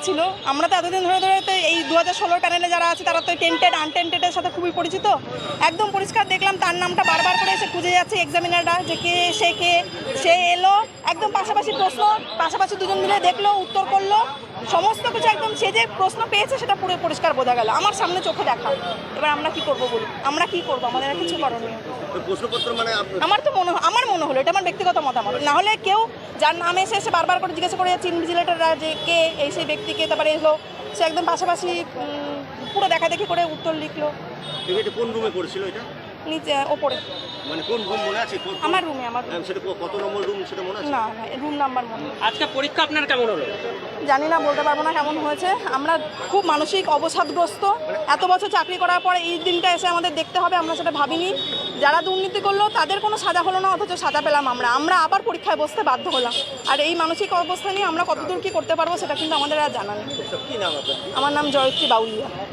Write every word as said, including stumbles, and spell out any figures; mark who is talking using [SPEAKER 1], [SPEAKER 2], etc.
[SPEAKER 1] ছিল। আমরা তো এতদিন ধরে ধরে তো এই দু হাজার ষোলোর প্যানেলে যারা আছে তারা তো টেন্টেড আনটেন্টেডের সাথে খুবই পরিচিত। একদম পরিষ্কার দেখলাম তার নামটা বারবার করে এসে খুঁজে যাচ্ছে এক্সামিনাররা যে কে সে কে সে এলো, একদম পাশাপাশি প্রশ্ন, পাশাপাশি দুজন মিলে দেখলো, উত্তর করলো, সমস্ত কিছু একদম সে যে প্রশ্ন পেয়েছে সেটা পুরো পরিষ্কার বোঝা গেল আমার সামনে চোখে দেখা। এবার আমরা কি করব বলি, আমরা কি করব, আমাদের আর কিছু করণীয়।
[SPEAKER 2] প্রশ্নপত্র মানে
[SPEAKER 1] আমার তো মনে আমার মনে হলো, এটা আমার ব্যক্তিগত মতামত, না হলে কেউ যার নাম এসে এসে বারবার করে জিজ্ঞাসা করে যাচ্ছে ইনভিজিলেটররা যে কে এই সেই ব্যক্তিকে, তারপরে এলো সে একদম পাশাপাশি পুরো দেখা দেখি করে উত্তর লিখলো।
[SPEAKER 2] এটা কোন রুমে পড়েছিল এটা?
[SPEAKER 1] নিচে ওপরে।
[SPEAKER 2] মানে কোন রুম মনে আছে?
[SPEAKER 1] আমার রুমে। আমার
[SPEAKER 2] সেটা কত নম্বর রুম সেটা মনে আছে?
[SPEAKER 1] না না রুম নাম্বার মনে নেই।
[SPEAKER 3] আজকে পরীক্ষা আপনার কেমন হলো?
[SPEAKER 1] জানি না, বলতে পারবো না কেমন হয়েছে। আমরা খুব মানসিক অবসাদগ্রস্ত। এত বছর চাকরি করার পর এই দিনটা এসে আমাদের দেখতে হবে, আমরা সেটা ভাবিনি। যারা দুর্নীতি করলো তাদের কোনো সাজা হলো না, অথচ সাজা পেলাম আমরা আমরা আবার পরীক্ষায় বসতে বাধ্য হলাম। আর এই মানসিক অবস্থা নিয়ে আমরা কতদূর কী করতে পারবো সেটা কিন্তু আমাদের আর জানা নেই।
[SPEAKER 2] কি নাম আপনার?
[SPEAKER 1] আমার নাম জয়শ্রী বাউলিয়া।